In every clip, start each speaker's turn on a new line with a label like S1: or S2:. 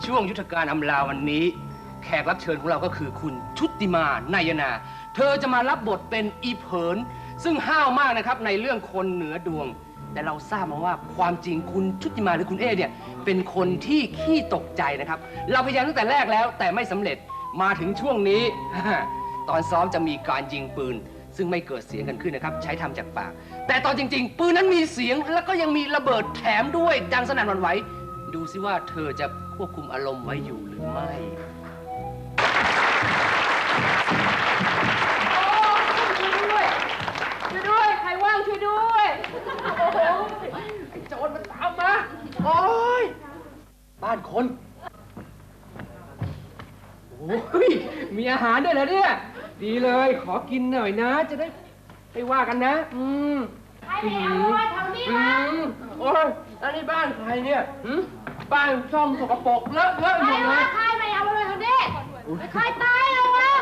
S1: ช่วงยุทธการอำลาวันนี้แขกรับเชิญของเราก็คือคุณชุติมานายนาเธอจะมารับบทเป็นอีเผินซึ่งห้าวมากนะครับในเรื่องคนเหนือดวงแต่เราทราบมาว่าความจริงคุณชุติมาหรือคุณเอเนี่ยเป็นคนที่ขี้ตกใจนะครับเราพยายามตั้งแต่แรกแล้วแต่ไม่สำเร็จมาถึงช่วงนี้ ตอนซ้อมจะมีการยิงปืนซึ่งไม่เกิดเสียงกันขึ้นนะครับใช้ทำจากปากแต่ตอนจริงๆปืนนั้นมีเสียงแล้วก็ยังมีระเบิดแถมด้วยดังสนั่นหวั่นไหวดูซิว่าเธอจะควบคุมอารมณ์ไว้อยู่หรือไม่
S2: ช่วยด้วยใครว่างช่วยด้วยโอ้โหไอ้โจรมันตามมาโอ้ยบ้านคนโอ้ยมีอาหารด้วยเหรอเนี่ยดีเลยขอกินหน่อยนะจะได้ไม่ว่ากันนะ
S3: ใครไปเอาไว้แถวนี้วะ
S2: โอ้ยแล้วนี่บ้านใครเนี่ยบ้านช่องสกปรกเลอะหมดเลย
S3: ใครไปเอาไว้แถวนี้ใครตายแล้ววะ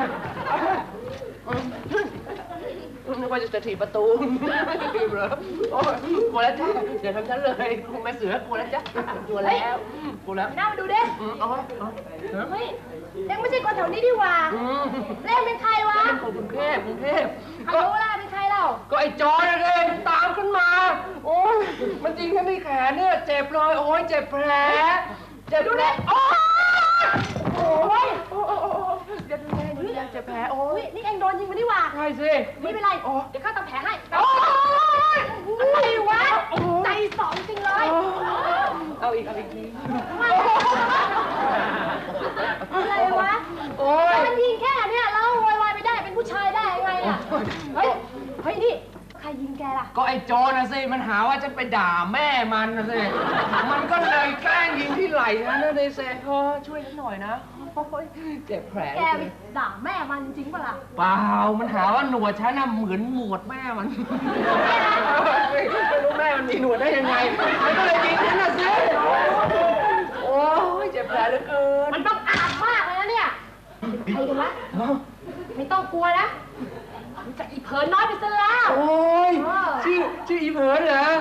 S2: นึกว่าจะถีบประตูเหรอโอ้ยกลัวแล้วจ้าอย่าทำฉันเลยคุณแม่เสือกลัวแล้วจ้ากลัวแล้วกลัวแล้ว
S3: น่ามาดูดิเฮ้ยเอ็งไม่ใช่คนแถวนี้ดิว่าเล่นเป็นใครวะ
S2: เป็นคนกรุงเทพ
S3: เขารู้ล่ะเป็นใครเรา
S2: ก็ไอ้จอยเองตามขึ้นมาโอ้ยมันจริงแค่ที่แขนเนี่ยเจ็บเลยโอ้ยเจ็บแผลเจ็บดูดิโอ้ยเจ็บแผลเจ็บแผลโอ้ย
S3: นี่เอ็งโดนยิงมาดิว่า
S2: ใช่สิ
S3: ไม่เป็นไรเดี๋ยวข้าทำแผลให้อะไรวะใจสองจริงเลย
S2: เอาอีกที
S3: อะไรวะมันยิงแค่เนี่ยแล้วโวยวายไม่ได้เป็นผู้ชายได้ยังไงอ่ะเฮ้ยนี่ใครยิงแกล่ะ
S2: ก็ไอ้โจรนะสิมันหาว่าฉันไปด่าแม่มันนะสิมันก็เลยแกล้งยิงที่ไหล่นะเลยเซ่ช่วยฉันหน่อยนะเจ็บแผล
S3: แกด่าแม่มันจริงป่ะล่ะ
S2: เปล่ามันหาว่าหนวดฉันน่ะเหมือนหนวดแม่มันไม่รู้แม่มันมีหนวดได้ยังไงมันก็เลยยิงฉันนะสิโอ้ยเจ็บแผลเหลือเกิน
S3: มันต้องอาบมากเลยนะเนี่ยใครกันวะไม่ต้องกลัวนะจะอีเผินน้อยไปซะแล้ว
S2: โอ้ยชื่ออีเผินเหรอ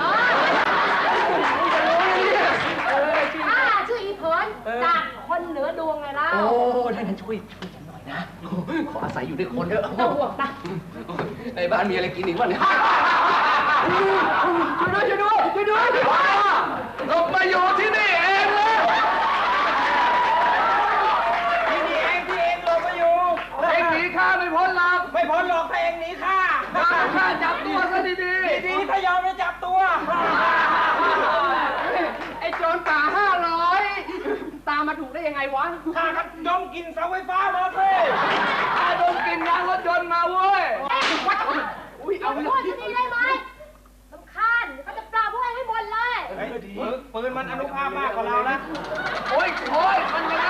S3: ชื่ออีเผินจากคนเหนือดวงไงล่ะ
S2: โอ้ท่านช่วยฉันหน่อยนะขออาศัยอยู่ด้วยคนเถอะ
S3: ต้องห่วงปะ
S2: ในบ้านมีอะไรกินอีกบ้างเนี่ยช่วยด้วยหลบมาอยู่ที่นี่เองเลย
S4: ที่เองหลบมาอยู่
S2: เองหนีข้าไม่พ้นหรอก
S4: ถ้าเองหนีข้า
S2: จับตัวซะดี
S4: ถ้ายอมจะจับตัว
S2: ไอ้โจรป่า500ตามมาถูกได้ยังไงวะ
S4: ข้าก็ดมกลิ่นเสาไฟฟ้ามาสิ
S2: ข้าดมกลิ่นยางรถยนต์มาเว้ย
S3: เอาไปเลยจะดีได้ไหมสำคัญเขาจะปราบพวกเองให้หมดเลย
S4: ปืนมันอนุภาพมากกว่าเรานะ
S2: โอ้ยมันยังไง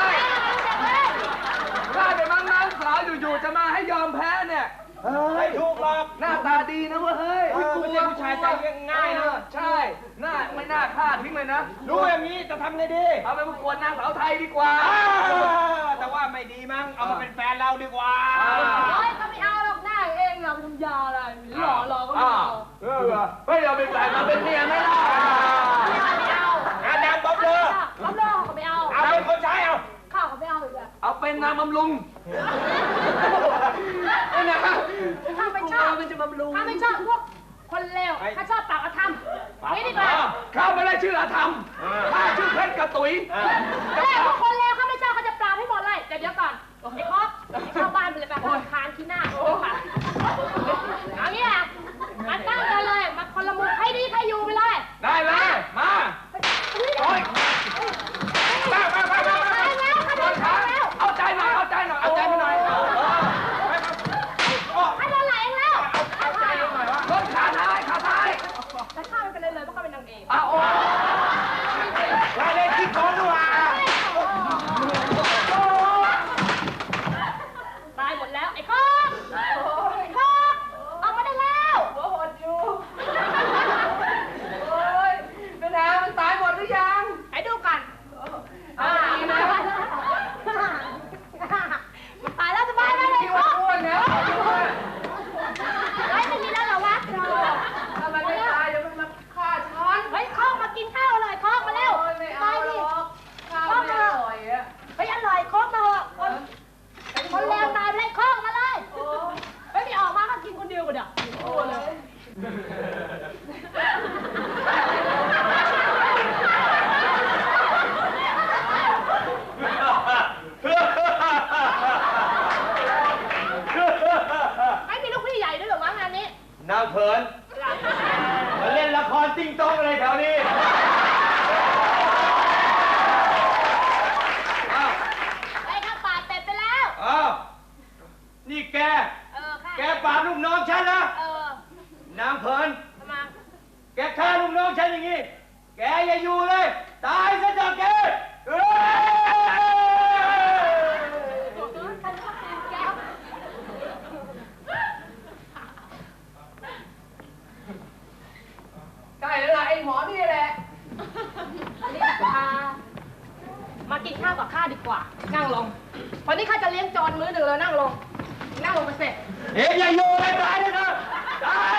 S2: ข้าเป็นนางสาวอยู่ๆจะมาให้ยอมแพ้เนี่ย
S4: ไม่ถูกหรอก
S2: หน้าตาดีนะเว้ยเฮ้ย
S4: ไม่ใช่ผู้ชายใจง่ายนะ
S2: ใช่ไม่น่าฆ่าทิ้งเลยนะ
S4: รู้อย่างนี้จะทำไงดี
S2: เอาไปประกวดนางสาวไทยดีกว่า
S4: แต่ว่าไม่ดีมั้งเอามาเป็นแฟนเราดีกว่า
S3: เขาไม่เอาหรอกหน้าเองเราทำยาอะไรหล่อก็ไม่เอา
S2: ไม่เอาเป็นแฟนมาเป็นเมียไม่ได้
S3: ไม่เอา
S4: นางบ๊อบเลย
S3: บ๊อบเลยเขาไม่เอา
S4: เป็นคนใช้เอา
S3: ข้าวเขาไม่เอาอีกเลย
S2: เอาเป็นนางบำรุงนี่นะ
S3: ข้าไม่ชอบ
S2: มันจะบำรุง
S3: ข้าไม่ชอบพวกคนเลวข้าชอบปากอธรรมนี่ดีกว่า
S2: ข้าไม่ได้ชื่ออธรรมข้าชื่อเพชรกระตุย
S3: แต่พวกคนเลวข้าไม่ชอบเขาจะปราบให้หมดเลยเดี๋ยวก่อนไอ้คอสเข้าบ้านไปเลยไปคานที่หน้าเอางี้นะมาตั้งกันเลยมาคนละมุมให้ดีใครอยู่ไปเลย
S2: ได้เลยมาโอ้ยเอาใจหน่อยให้โดนไหลเอง
S3: แล้ว
S2: เอาใจหน่อยวะรถขาท้าย
S3: แต่ข้าไม่เป็นเลยเพราะข้าเป็นนางเอก
S2: โอ้
S4: ยเล่นคิดของด้วย
S3: กินข้าวกับข้าดีกว่า นั่งลง วันนี้ข้าจะเลี้ยงจอนมื้อหนึ่งเลยนั่งลง นั่งลงไปเสร็จ
S4: เอ๊ะอย่าโยนไปตายเลยนะตาย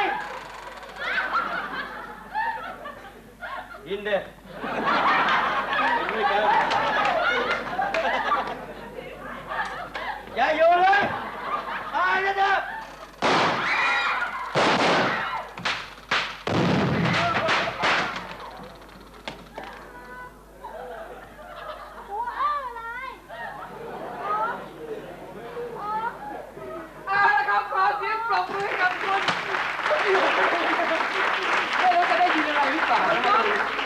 S4: กินเด้อย่าโยนเลยตายเลยนะ
S2: เอาละครับขอเสียงปรบมือให้กับคุณไม่รู้จะได้ยินอะไรหรือเปล่านะครับ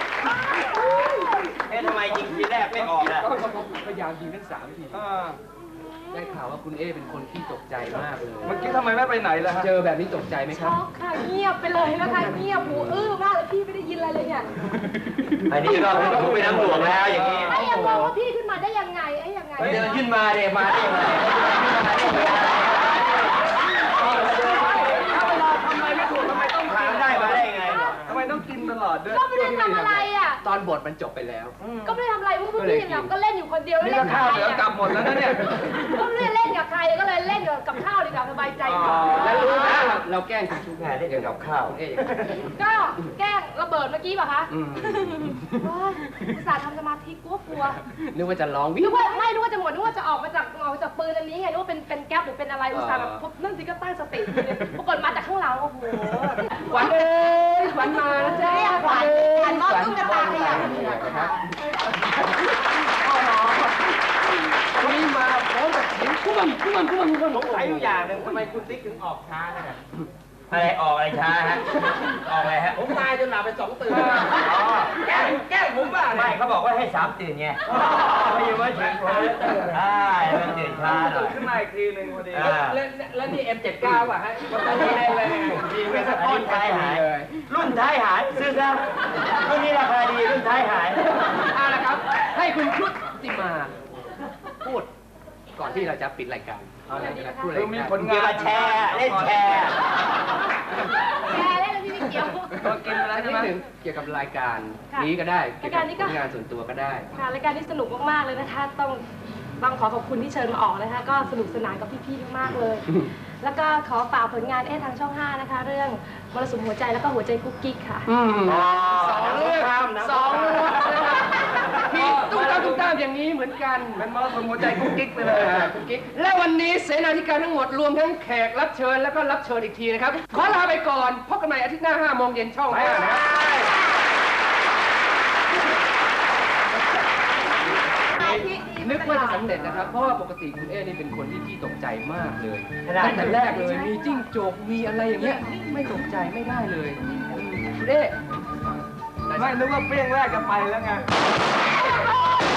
S4: เอ๊ะทำไมยิงทีแรกไม่ออกล่ะ
S2: ก็พยายามยิงทั้ง3 ที ได้ข่าวว่าคุณเอเป็นคนที่ตกใจมากเลย
S5: เมื่อกี้ทำไมไม่ไปไหนล่ะฮะ
S2: เจอแบบนี้ตกใจไหมค
S3: ช็
S2: รับ
S3: อกค่ะเงียบไปเลยนะคะเงียบหูอื้อมากเลยพี่ไม่ได้ยินอะไรเลยเนี่ย
S4: อันนี้ก็ผมไปน้ำหลวงแล้วอย่างนี้
S3: ไอ้ยังงงว่าพี่ขึ้นมาได้ยังไงไอ้ยังไง
S4: เดินขึ้นมาเดี๋ยวมาได้ยังไง
S5: ถ้าเวลาทำอะไรไม่ถูกทำไมต้อง
S4: ถามได้มาได้ยังไง
S5: ทำไมต้องกินตลอดด้วย
S3: ก็ไม่ได้ทำอะไรอ่ะ
S2: ตอนบทมันจบไปแล้ว
S3: ก็ไม่ได้ทำอะไรพวกพี่เนี่ยก็เล่นอยู่คนเดียว
S5: นี่
S3: เล่
S5: ก็
S3: นกับ
S5: ข้าว
S3: ใคร
S5: เหลือกลับหมดแล้วนะเนี่ย
S3: ก็ไม่ได้เล่นกับใครก็เลยเล่นกับข้าวดีกว่าสบายใจกว่า
S2: แล้วรู้นะเราแกล้งคุณชุบ
S4: แม่ได้เกี่ยวกับข้าว
S2: คุณเออย่างนี้
S3: ก็แกล้งระเบิดเมื่อกี้ป่ะคะ
S2: อืม
S3: โอ๊ยอุตส่าห์ทำสมาธิกลัว
S2: นึกว่าจะร้องวิ
S3: นึกว่าจะหมดนึกว่าจะออกมาจากปืนอันนี้ไงนึกว่าเป็นแก๊ปหรือเป็นอะไรอุตส่าห์แบบปุ๊บนั่นสิก็ตั้งสติอยู่เลยปรากฏมาจากข้างหลังโอ้โห
S2: ขวัญเอ้ยขวัญมาแล้วจ้า
S3: ขวัญขวัญมอบตุ๊กตาให้อ่ะ
S2: ครับวันนี้มาพร้อมกับเสียงคุ้มๆ
S4: สงสัยอยู่อย่างหนึ่งทำไมคุณติ๊กถึงออกช้าเนี่ยอะไรออกอะไรช้าฮะ ออกอะไรฮะ
S2: ผมตายจนหลับไป2 ตื่น
S4: อ๋อแกล้งผมบ้าไม่เขาบอกว่าให้3 ตื่นไงไม่อยู่ว่าถึงใช่มันตื่นช้าหน่อย
S5: ขึ้นมาอีกทีหนึ่งพอดี
S2: แล้วนี่ M79 ป่ะฮะมันต้องมีอะไร
S4: ดีไม่สะท้อนท้ายหาย รุ่นท้ายหายซื้อซะรุ่นนี้ราคาดีรุ่นท้ายหาย
S2: เอาละครับ ให้คุณชุติมาพูดก่อนที่เราจะปิดรายการพูดอะไร
S5: คือมีผล
S4: เกี่ยว
S5: งาน
S4: กับแชร์เล่นแชร์
S3: แกเล่นแล้วพี่ไม่เกี่ยว
S5: ก็กินไปแล้ว
S2: นิ
S5: ใช่
S2: ด
S5: ไหม
S2: หนึ่งเกี่ยวกับรายการ
S3: ค่ะ
S2: นี้ก็ได้เกี่ยวกับ
S3: รายการนี้ก็
S2: ผลงานส่วนตัวก็ได้
S3: ค่ะรายการนี้สนุกมากๆเลยนะคะต้องขอขอบคุณที่เชิญมาออกนะคะก็สนุกสนานกับพี่ๆมากๆเลย แล้วก็ขอฝากผลงานทางช่อง 5 นะคะ เรื่องมรสุมหัวใจแล้วก็หัวใจกุ๊กกิ๊กค่ะ
S2: 2 เรื่อง2 เรื่องนะครับที่ตุ้มตามอย่างนี้เหมือนกัน
S5: เป็นมรสุมหัวใจกุ๊กกิ๊กไปเลย
S2: กุ๊กกิ๊กและวันนี้เสนาธิการทั้งหมดรวมทั้งแขกรับเชิญแล้วก็รับเชิญอีกทีนะครับ ขอลาไปก่อนพบกันใหม่อาทิตย์หน้า 5 โมงเย็นช่อง 5 นะครับนึกว่าจะสำเร็จนะครับ เพราะว่าปกติคุณเอ๊นี่เป็นคนที่ขี้ตกใจมากเลยตั้งแต่แรกเลยมีจิ้งจกมีอะไรอย่างเงี้ยไม่ตกใจไม่ได้เลยคุณเอ๊
S5: ไม่นึกว่าเปรี้ยงแรกจะไปแล้วไง
S3: โ